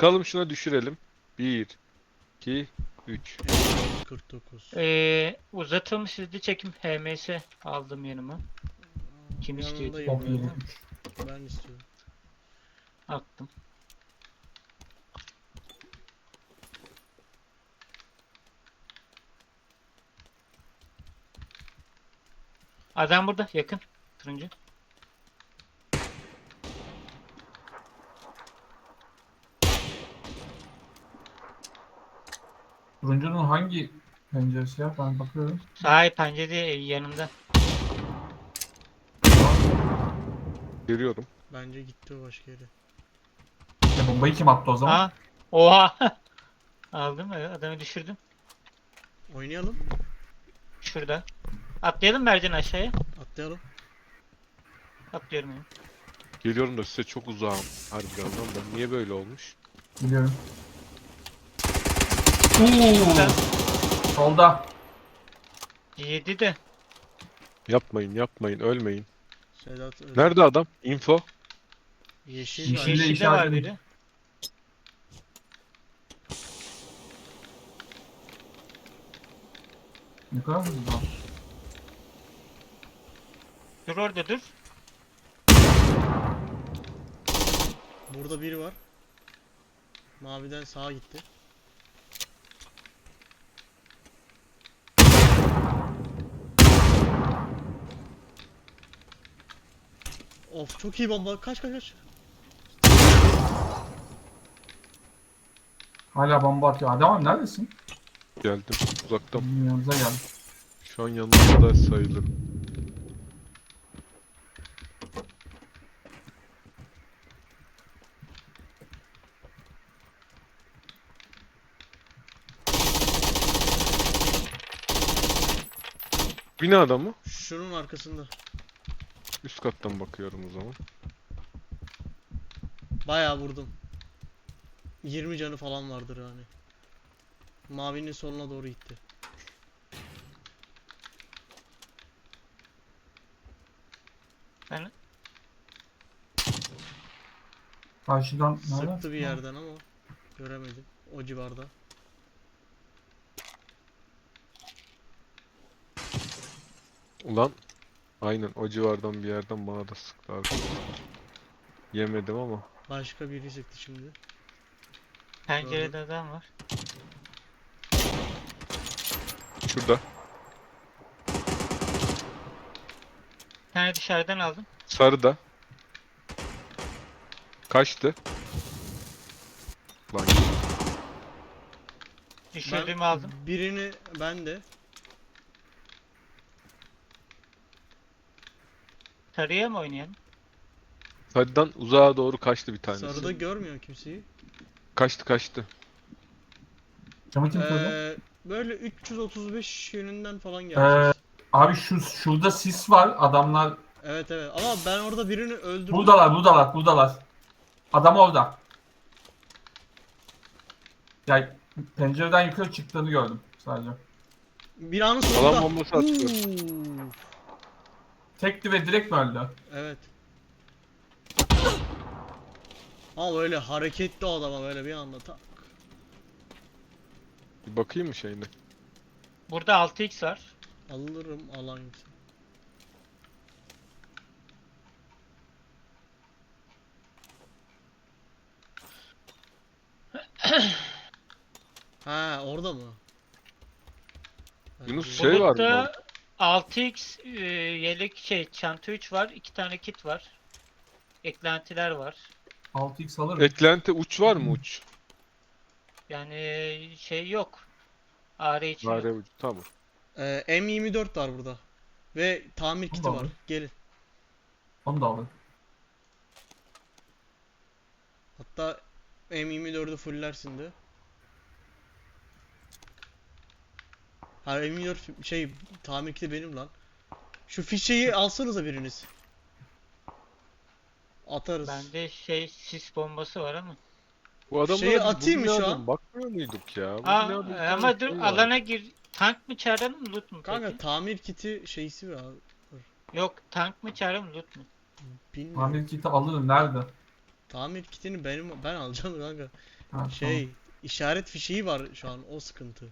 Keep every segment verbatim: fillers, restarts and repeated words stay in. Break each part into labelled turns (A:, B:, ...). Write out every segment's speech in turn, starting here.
A: Sıkalım şuna, düşürelim. bir, iki, üç.
B: kırk dokuz.
C: Ee, uzatılmış hızlı çekim H M S aldım yanıma. Kim istiyordu?
B: Yanındayım
C: Top
B: ben.
C: yedi.
B: Ben istiyorum.
C: Attım. Adam burada yakın. Turuncu.
D: Turuncunun hangi penceresi ya? Ben bakıyorum.
C: Sağ pencerede yanında.
A: Geliyorum.
B: Bence gitti o başka yere.
D: Ya bombayı kim attı o zaman?
C: Aa, oha. Aldım mı? Adamı düşürdüm.
B: Oynayalım.
C: Şurada. Atlayalım Mercan aşağıya.
B: Atlayalım.
C: Atlıyorum yani.
A: Geliyorum da size çok uzağım. Harbiden lan, ben niye böyle olmuş?
D: Biliyorum.
C: Şurada.
D: Solda.
C: Yedi de.
A: Yapmayın yapmayın, ölmeyin.
B: Sedat öldü.
A: Nerede adam? Info.
B: Yeşil
D: Yeşil-
B: var.
D: Yeşille
C: Yeşilde var
D: işaretledim.
C: biri.
D: Ne kadar hızlı lan.
C: Dur orada dur.
B: Burada biri var. Maviden sağa gitti. Of, çok iyi bomba. Kaç kaç kaç.
D: Hala bomba atıyor. Adam abi neredesin?
A: Geldim uzaktan.
D: Bizim yanımıza geldi.
A: Şu an yanımda sayılır. Binada mı?
B: Şunun arkasında.
A: Üst kattan bakıyorum o zaman.
B: Bayağı vurdum. yirmi canı falan vardır yani. Mavinin soluna doğru gitti.
C: Ben
D: Karşıdan nereden?
B: Sıktı bir yerden ama göremedim. O civarda.
A: Ulan aynen o civardan bir yerden bana da sıktı arkadaşlar. Yemedim ama.
B: Başka biri sıktı şimdi.
C: pencerede adam var.
A: Şurada.
C: Bir tane dışarıdan aldım.
A: Sarıda. Kaçtı. Lan
C: Düşürdüğümü aldım.
B: Birini ben de.
C: Sarıya mı oynayalım?
A: sarıdan uzağa doğru kaçtı bir tanesi.
B: Sarıda görmüyor kimseyi.
A: Kaçtı kaçtı.
D: Camı kim koydu?
B: Ee, böyle üç yüz otuz beş yönünden falan
D: Ee,
B: geleceğiz.
D: Abi şu şurada sis var. Adamlar
B: Evet evet, ama ben orada birini öldürdüm.
D: buradalar, buradalar, buradalar. Adam orada. Yani pencereden yukarı çıktığını gördüm sadece.
B: Binanın sonunda.
A: Alan bombası atıyor.
B: Uuu.
D: Tekti ve direkt mi öldü?
B: Evet. Ama böyle hareketli o adama böyle bir anda tak.
A: Bir bakayım mı şeyine?
C: Burada altı x var.
B: Alırım alan yoksa. Ha, orada mı? Ben
A: Yunus
B: de-
A: şey var mı?
C: Bulutta altı x e, yelek şey çanta üç var. iki tane kit var. Eklentiler var.
D: altı x alırım.
A: Eklenti uç var mı uç?
C: Yani şey yok. A R için
A: Var
C: yok.
A: uç. Tamam.
B: Ee, M yirmi dört var burada. Ve tamir kiti
D: Allah
B: var.
D: Allah.
B: Gelin.
D: Onu da alırım.
B: Hatta M yirmi dördü fullersin de. Ha, M yirmi dört şey tamir kiti benim lan. Şu fişeyi alsanıza biriniz. Atarız.
C: Bende şey sis bombası var ama.
A: Bu adamlara
B: Şeyi
A: biz
B: atayım mı
A: bu
B: şu
A: binadan
B: an?
A: bakmıyor muyduk ya? Bu
C: Aa,
A: binada bir tane
C: ama dur
A: şey var.
C: alana gir. Tank mı çağıralım loot mu
B: Kanka
C: peki?
B: tamir kiti şeysi var.
C: Yok tank mı çağıralım loot mu?
B: Bilmiyorum.
D: Tamir kiti alırım. Nerede?
B: Tamir kitini benim ben alacağım kanka.
D: Ha,
B: Şey, işaret fişeği var şu an, o sıkıntı.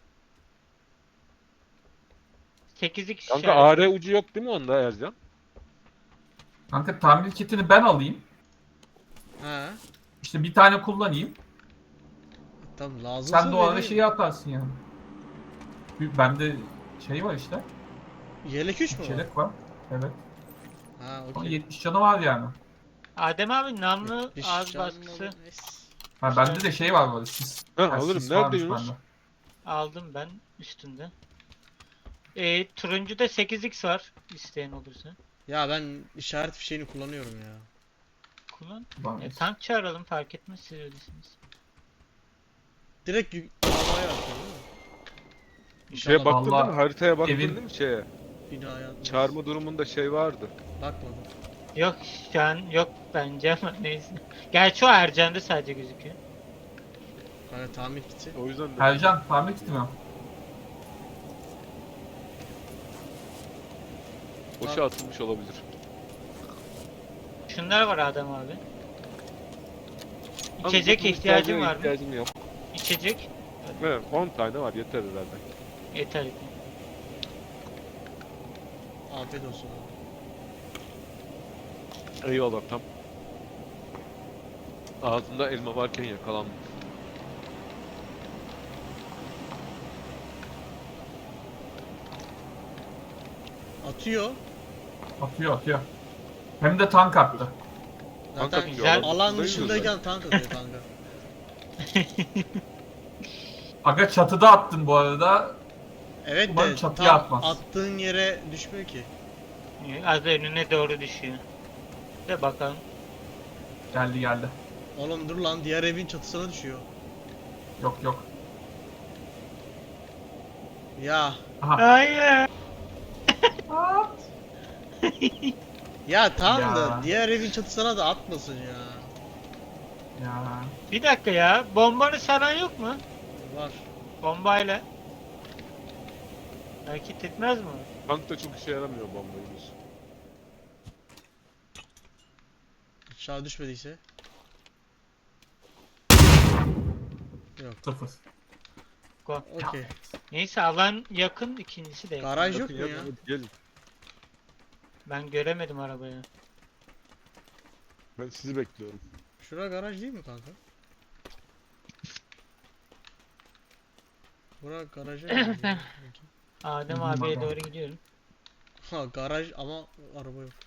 C: sekizlik
A: Kanka
C: işaret.
A: A R ucu yok değil mi onda Ercan?
D: tamam. Kanka tamir kitini ben alayım.
B: Ha,
D: İşte bir tane kullanayım.
B: tamam lazımsa
D: Sen de o arada
B: vereyim.
D: şeyi atarsın yani. Bir- Bende şey var işte.
B: Yelek üç mü var?
D: Çelik var. Evet.
B: Ha,
D: Ama
B: okey.
D: yetmiş canı var yani.
C: Adem abi namlu
B: yetmiş
C: ağız
B: canlı
C: baskısı
B: olur, neyse.
D: Ha, bende de şey var böyle sis.
A: Ha,
D: Ha,
A: alırım.
D: sis
A: Nerede
D: varmış
A: Yunus?
D: bende.
C: aldım ben üstünde. E, turuncuda sekiz x var isteyen olursa.
B: Ya ben işaret fişeğini kullanıyorum ya.
C: Kullan.
D: Var.
C: E, tank çağıralım fark etmez siz öylesiniz.
B: Direkt yük havaya atıyor değil mi?
A: Şeye
B: İnşallah
A: baktın değil mi?
D: Vallahi
A: Haritaya baktın
D: evin-
A: değil mi şeye?
B: binaya atmaz.
A: Çağırma durumunda şey vardı.
B: Bakmadım.
C: Yok şu an yok bence ama neyse. Gerçi o Ercan'da sadece gözüküyor.
B: Hani tamir kiti.
A: O yüzden de.
D: Ercan tamir kiti mi?
A: Boşa atılmış olabilir.
C: Şunlar var Adem abi.
A: Ama
C: İçecek
A: bu
C: ihtiyacım
A: ihtiyacına
C: var mı?
A: ihtiyacım yok.
C: İçecek.
A: Evet, on tane var yeter herhalde.
C: Yeter.
B: Afiyet olsun.
A: Eyvallah tam. Ağzında elma varken yakalandım.
B: Atıyor.
D: Atıyor atıyor. Hem de tank attı.
A: Tank
B: Zaten
A: atıyor,
C: alan
B: alan
A: dışında
B: dışındayken tank atıyor kanka.
D: Aga çatıda attın bu arada.
B: Evet
D: Umarım
B: de
D: çatıya
B: tam
D: atmaz.
B: attığın yere düşmüyor ki.
C: Az önüne doğru düşüyor. De bakalım.
D: Geldi geldi.
B: Oğlum dur lan, diğer evin çatısına düşüyor.
D: Yok yok.
B: Ya.
D: Aha.
C: Hayır.
B: Ya tamam
D: Ya.
B: da diğer evin çatısına da atmasın ya.
D: Ya.
C: Bir dakika ya. Bombanı saran yok mu?
B: Var.
C: Bombayla. Hareket etmez mi? o?
A: Tank da çok işe yaramıyor bombayımız.
B: Aşağı düşmediyse. Yok.
D: Sıfır.
C: Go.
B: Okey.
C: Neyse alan yakın, ikincisi de yakın.
B: Garaj yok
A: Bakın
B: mu ya?
A: hadi gelin.
C: Ben göremedim arabayı.
A: Ben sizi bekliyorum.
B: Şura garaj değil mi kanka? Bura garaja benziyor sanki.
C: Adem
D: Hı hı,
C: abiye
D: bakalım.
C: doğru gidiyorum.
B: Ha garaj ama araba yok.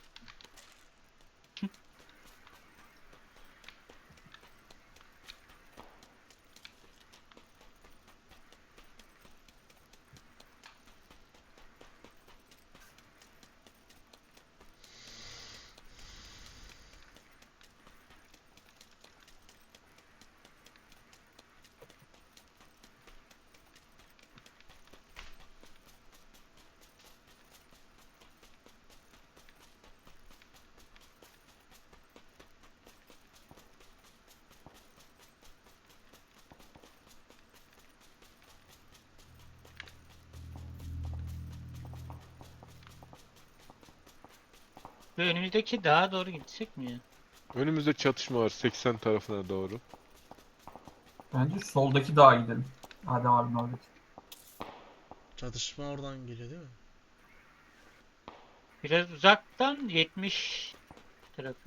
C: Ve önümüzdeki dağa doğru gitsek mi ya?
A: Önümüzde çatışma var seksen tarafına doğru.
D: Bence soldaki dağa gidelim. Adem abinin oradaki.
B: Çatışma oradan geliyor değil mi?
C: Biraz uzaktan yetmiş tarafı.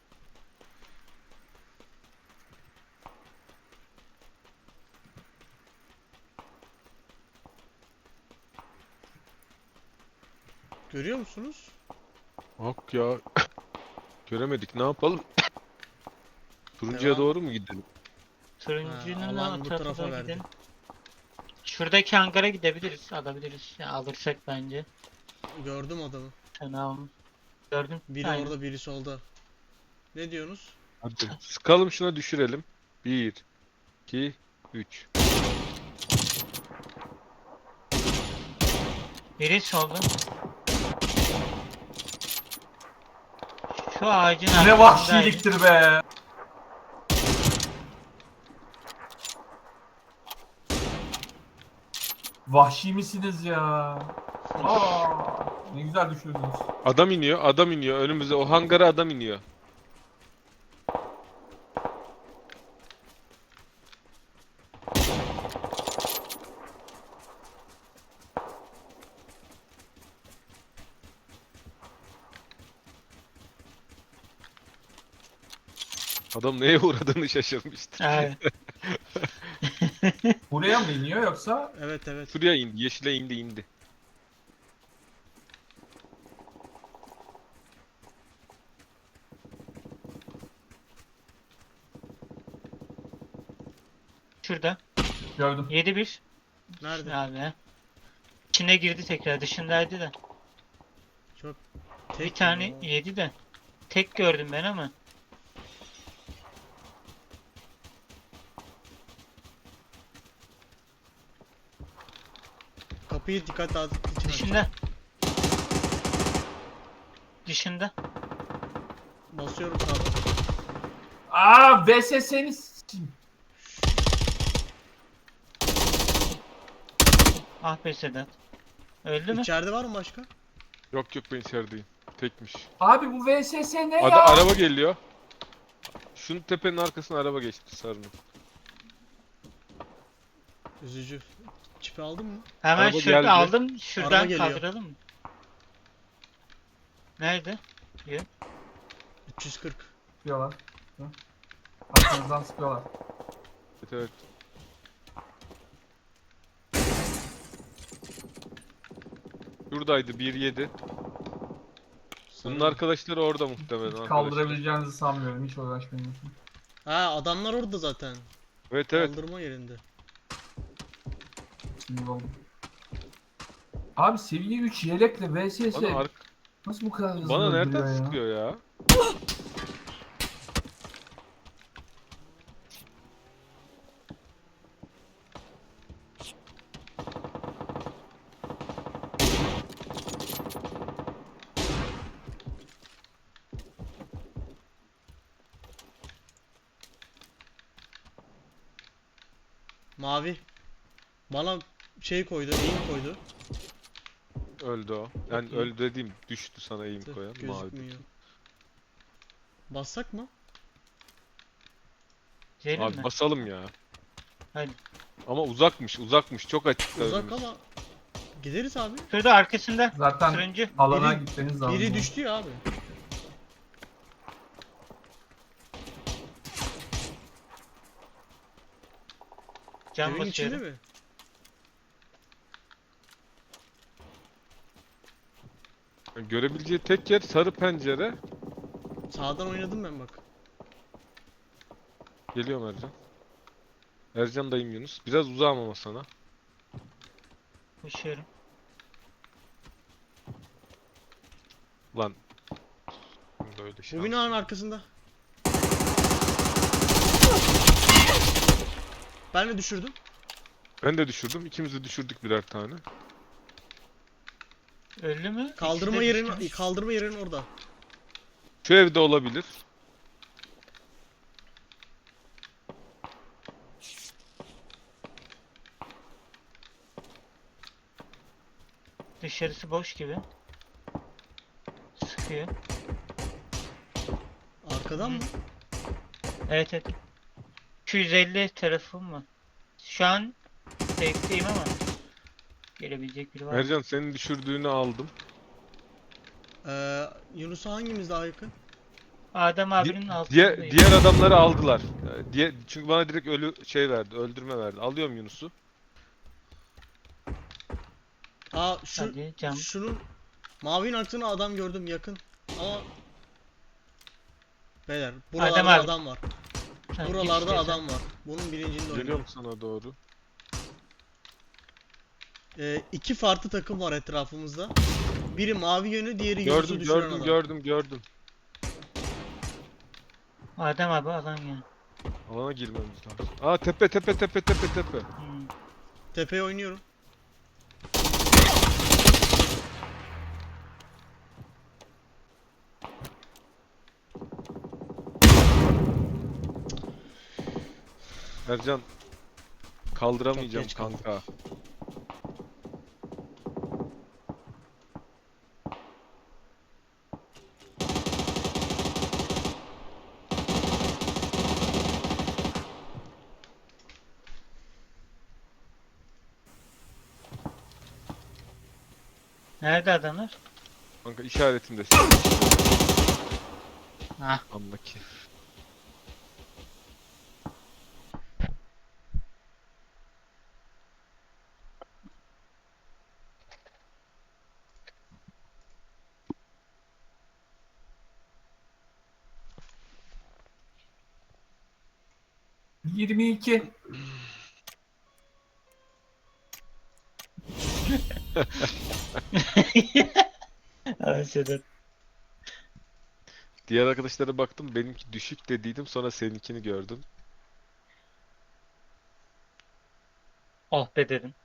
B: Görüyor musunuz?
A: Bak ya. Göremedik ne yapalım? Turuncuya
B: Devam.
A: doğru mu gidelim?
C: Turuncunun
B: Ha,
C: o
B: alan bu
C: tarafına
B: tarafa
C: doğru
B: verdi.
C: gidelim. Şuradaki hangara gidebiliriz, alabiliriz. Ya, alırsak bence.
B: Gördüm adamı.
C: Tamam. Gördün.
B: Biri
C: Aynen.
B: orada, biri solda. Ne diyorsunuz?
A: Hadi. Sıkalım şuna düşürelim. bir, iki, üç.
C: Biri solda. Şu ağacın
D: Ne
C: arkasındaydı.
D: vahşiliktir be. Vahşi misiniz ya? Aa, ne güzel düşürdünüz.
A: Adam iniyor, adam iniyor. Önümüze o hangara adam iniyor. Adam neye uğradığını şaşırmıştır.
C: Evet.
D: Buraya mı iniyor yoksa?
B: Evet evet.
A: Şuraya indi. Yeşile indi indi.
C: Şurada.
D: Gördüm.
C: yedi bir.
B: Nerede?
C: Abi. İçine girdi tekrar. Dışındaydı da.
B: Çok
C: Bir
B: tek
C: tane
B: ya.
C: yedi de. Tek gördüm ben ama.
B: Kapıyı dikkat dağıtıp için aç.
C: Dışında. Dışında.
B: Basıyorum sağdan.
D: Aa V S S'ni s**eyim.
C: Ah be Sedat. Öldü mü?
B: İçeride var mı başka?
A: Yok yok ben içerideyim. Tekmiş.
D: Abi bu V S S ne
A: Ada
D: ya?
A: araba geliyor. Şunun tepenin arkasına araba geçti sarının.
B: Üzücü. Çipi aldın mı?
C: Hemen
A: Araba
C: şurada
A: geldi.
C: aldım.
B: Araba
C: Şuradan
B: geliyor.
C: kaldıralım mı? Nerede?
B: üç yüz kırk.
D: Sıkıyorlar. Hı. Arkanızdan sıkıyorlar.
A: Evet evet. Şuradaydı bir yedi. Bunun arkadaşları orada muhtemelen arkadaşlar.
D: Kaldırabileceğinizi sanmıyorum. Hiç uğraşmayın.
B: Ha adamlar orada zaten.
A: Evet evet.
B: Kaldırma yerinde.
D: Sinir oldum. Abi seviye üç yelekle V S S
A: Bana, ark-
D: nasıl bu kadar hızlı
A: bana
D: öldürüyor
A: nereden
D: ya?
A: sıkıyor ya?
B: Mavi. Bana şey koydu, eğim koydu.
A: Öldü o. Yani
B: Bakayım.
A: öldü dediğim düştü sana eğim
B: Tüh,
A: koyan mavi.
B: gözükmüyor. Bassak mı?
C: Gidelim
A: Abi
C: mi?
A: basalım ya.
C: Hadi.
A: Ama uzakmış uzakmış çok açıkta
B: Uzak
A: önümüz.
B: ama gideriz abi.
C: Şurada arkasında.
D: Zaten
C: Turuncu.
D: alana
B: Biri-
D: gitmeniz lazım.
B: Biri düştü ya abi.
C: Cam
B: Evin içinde
C: basıyorum.
B: mi?
A: Yani görebileceği tek yer sarı pencere.
B: Sağdan oynadım ben bak.
A: Geliyorum Ercan. Ercan dayım Yunus. Biraz uzağım ama sana.
C: Koşuyorum.
A: Lan. Şimdi öyle şey.
B: Bu binanın arkasında. Ben de düşürdüm.
A: Ben de düşürdüm. İkimiz de düşürdük birer tane.
C: Öldü mü?
B: Kaldırma
C: İkisi de
B: yerin
C: düşmüş.
B: kaldırma yerin orada.
A: Şu evde olabilir.
C: Dışarısı boş gibi. Sıkıyor.
B: Arkadan mı?
C: Evet evet. iki yüz elli tarafım mı? Şu an safe'deyim ama gelebilecek biri var mı?
A: Ercan senin düşürdüğünü aldım.
B: Ee, Yunus'a hangimiz daha yakın?
C: Adem
A: Di-
C: abinin
A: diğer,
C: altındayım.
A: diğer adamları aldılar. Ee, Diye, çünkü bana direkt ölü şey verdi, öldürme verdi. Alıyorum Yunus'u.
B: Aa şu
C: Hadi cam.
B: şunun mavinin arkasında adam gördüm yakın. Ama beyler buralarda
C: Adem abi.
B: adam var.
C: Ha, git
B: Buralarda
C: istiyorsan.
B: adam var. Bunun bilincinde oynuyorum.
A: Geliyorum sana doğru.
B: Ee, iki farklı takım var etrafımızda. Biri mavi yönü, diğeri Yunus'u
A: Gördüm,
B: düşüren
A: gördüm,
B: adam.
A: gördüm, gördüm.
C: Adem abi alan ya.
A: Alana girmemiz lazım. Aa tepe, tepe, tepe, tepe, tepe.
C: Hmm.
B: Tepeye oynuyorum.
A: Ercan kaldıramayacağım
B: geç kaldık.
A: kanka.
C: Nerede adamlar?
A: Kanka işaretimde.
C: Ah.
A: Andaki.
D: yirmi iki.
C: Abi Sedat.
A: Diğer arkadaşlara baktım, benimki düşük dediydim, sonra seninkini gördüm.
C: Oh be dedim.